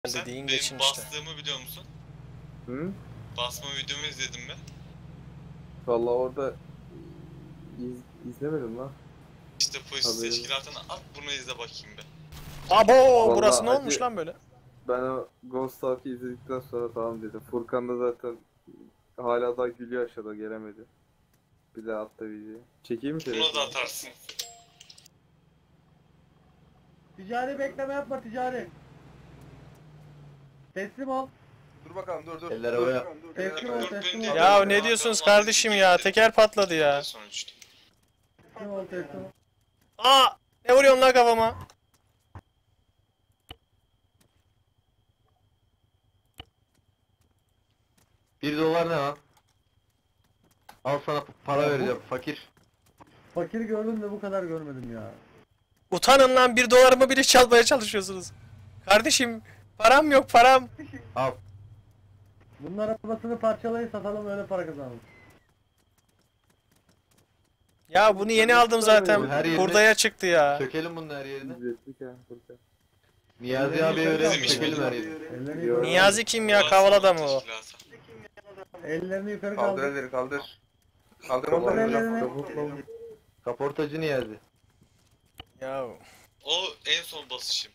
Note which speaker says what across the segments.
Speaker 1: Sen
Speaker 2: Dediğin
Speaker 1: benim
Speaker 2: geçin işte.
Speaker 1: bastığımı biliyor musun?
Speaker 3: Hı?
Speaker 1: Basma videomu izledin mi?
Speaker 3: Vallahi orada izlemedim lan.
Speaker 1: İşte polis
Speaker 3: Haberim.
Speaker 1: teşkilatına at bunu izle bakayım be.
Speaker 2: Abo
Speaker 3: Vallahi
Speaker 2: burası ne
Speaker 3: hacı-
Speaker 2: olmuş lan böyle?
Speaker 3: Ben o Ghost Talk'ı izledikten sonra tamam dedim. Furkan da zaten hala da gülüyor aşağıda gelemedi. Bir daha attı videoyu. Çekeyim mi
Speaker 1: Bunu da
Speaker 3: telefonu?
Speaker 1: atarsın.
Speaker 4: Ticari bekleme yapma ticari. Teslim ol.
Speaker 5: Dur bakalım dur.
Speaker 6: Eller havaya.
Speaker 4: Teslim ol
Speaker 1: Dur,
Speaker 4: teslim
Speaker 1: beni
Speaker 4: ol.
Speaker 2: Ya ne diyorsunuz kardeşim ya? Teker patladı ya.
Speaker 1: Sonuçta.
Speaker 4: Teslim ol teslim ol.
Speaker 2: Aa! Ne vuruyorsun lan kafama?
Speaker 6: $1 ne lan? Al sana para vereceğim fakir.
Speaker 4: Fakir gördüm de bu kadar görmedim ya.
Speaker 2: Utanın lan, $1'ımı bile çalmaya çalışıyorsunuz. Kardeşim param yok param.
Speaker 6: Al.
Speaker 4: Bunun arabasını parçalayın satalım öyle para kazanalım.
Speaker 2: Ya bunu yeni aldım zaten.
Speaker 6: Her yerine-
Speaker 2: Hurdaya çıktı ya.
Speaker 6: Sökelim bunun her yerini.
Speaker 3: İzlettik ya Furkan.
Speaker 6: Niyazi abiye
Speaker 1: Bizim
Speaker 6: öğrenelim
Speaker 1: işimiz.
Speaker 6: sökelim her yerini.
Speaker 4: Ellerini
Speaker 3: Yok.
Speaker 4: yukarı,
Speaker 2: Niyazi kim ya, kavala mı o?
Speaker 1: Teşkilatı.
Speaker 4: ellerini yukarı
Speaker 5: Kaldır
Speaker 4: kaldır.
Speaker 5: elleri kaldır. Kaldır
Speaker 3: Tamam,
Speaker 5: onları
Speaker 4: ellerini.
Speaker 5: hocam.
Speaker 6: Kaportacı Niyazi.
Speaker 2: Ya
Speaker 1: O en son basışım.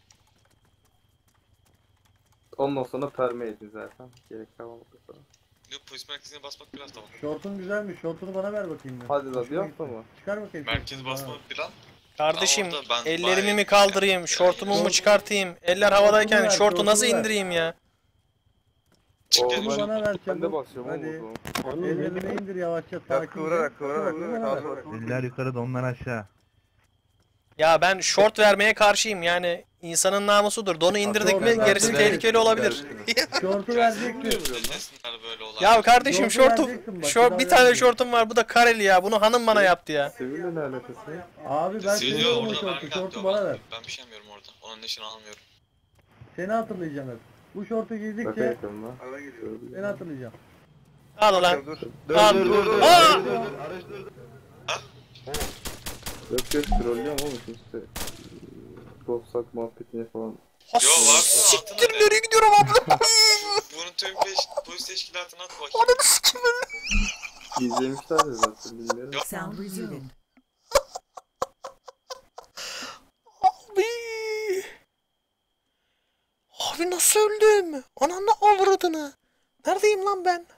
Speaker 3: Ondan sonra perme edin zaten. Gerek kalmadı sonra.
Speaker 1: Yok, polis merkezine basmak biraz da var.
Speaker 4: Şortun güzelmiş. Şortunu bana ver bakayım. ben.
Speaker 3: Hadi da
Speaker 4: Hoşuma
Speaker 3: yapma
Speaker 4: gitti.
Speaker 3: mı?
Speaker 4: Çıkar bakayım.
Speaker 1: Merkez
Speaker 4: şortunu bana
Speaker 1: basma
Speaker 4: ver.
Speaker 1: plan.
Speaker 2: kardeşim,
Speaker 1: Orada ben
Speaker 2: ellerimi
Speaker 1: bayağı-
Speaker 2: mi kaldırayım, şortumu mu çıkartayım? Eller havadayken
Speaker 4: ver,
Speaker 2: şortu nasıl
Speaker 4: şortunu ver.
Speaker 2: indireyim ya?
Speaker 1: Çık
Speaker 3: Şortunu
Speaker 1: dedim.
Speaker 4: bana ver
Speaker 3: Ben de
Speaker 4: çabuk.
Speaker 3: basıyorum
Speaker 4: Hadi.
Speaker 3: oğlum.
Speaker 4: Ellerini indir yavaşça
Speaker 5: Ya
Speaker 4: sakin.
Speaker 5: kıvırarak
Speaker 4: Şortunu bana ver.
Speaker 5: kaldır.
Speaker 7: Eller yukarı onlar aşağı.
Speaker 2: Ya ben şort vermeye karşıyım yani. İnsanın namusudur. Donu indirdik mi
Speaker 4: Şortu
Speaker 2: gerisi
Speaker 4: vereceksin.
Speaker 2: tehlikeli olabilir.
Speaker 4: Şortu vereceksin.
Speaker 1: Desinler böyle olaylar.
Speaker 2: Ya kardeşim
Speaker 4: Şortu
Speaker 2: şortum,
Speaker 4: vereceksin bak,
Speaker 2: şort,
Speaker 4: bir
Speaker 2: bir
Speaker 4: daha
Speaker 2: tane
Speaker 4: vereceksin.
Speaker 2: şortum var. Bu da kareli ya. Bunu hanım bana yaptı ya.
Speaker 3: Sevil'le ne alakası var?
Speaker 4: Abi ben
Speaker 1: Siliyor
Speaker 4: seviyorum o
Speaker 1: orada,
Speaker 4: şortu.
Speaker 1: ben
Speaker 4: Şortu
Speaker 1: yaptım.
Speaker 4: bana ver.
Speaker 1: Ben bir şey yapmıyorum orada. Onun neşini almıyorum.
Speaker 4: Seni hatırlayacağım hep. Bu şortu
Speaker 3: Şaka
Speaker 4: giydikçe
Speaker 3: yapıyorum lan.
Speaker 4: seni hatırlayacağım.
Speaker 2: Al lan.
Speaker 6: Dur
Speaker 2: Al.
Speaker 6: dur.
Speaker 2: Aa!
Speaker 6: Araç dur.
Speaker 3: Yok trollüyorum oğlum işte. Ghost Talk muhabbetine falan.
Speaker 2: Ha,
Speaker 1: Yo, var.
Speaker 2: siktir nereye gidiyorum abla?
Speaker 1: Bunun tüm polis teşkilatına at bakayım.
Speaker 2: Ananı sikim.
Speaker 3: İzlemişler de zaten bilmiyorum.
Speaker 8: Sound resumed.
Speaker 2: Abi. Abi nasıl öldüm? Ananı avradını. Neredeyim lan ben?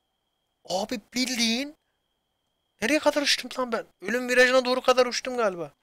Speaker 2: Abi bildiğin. Nereye kadar uçtum lan ben? Ölüm virajına doğru kadar uçtum galiba.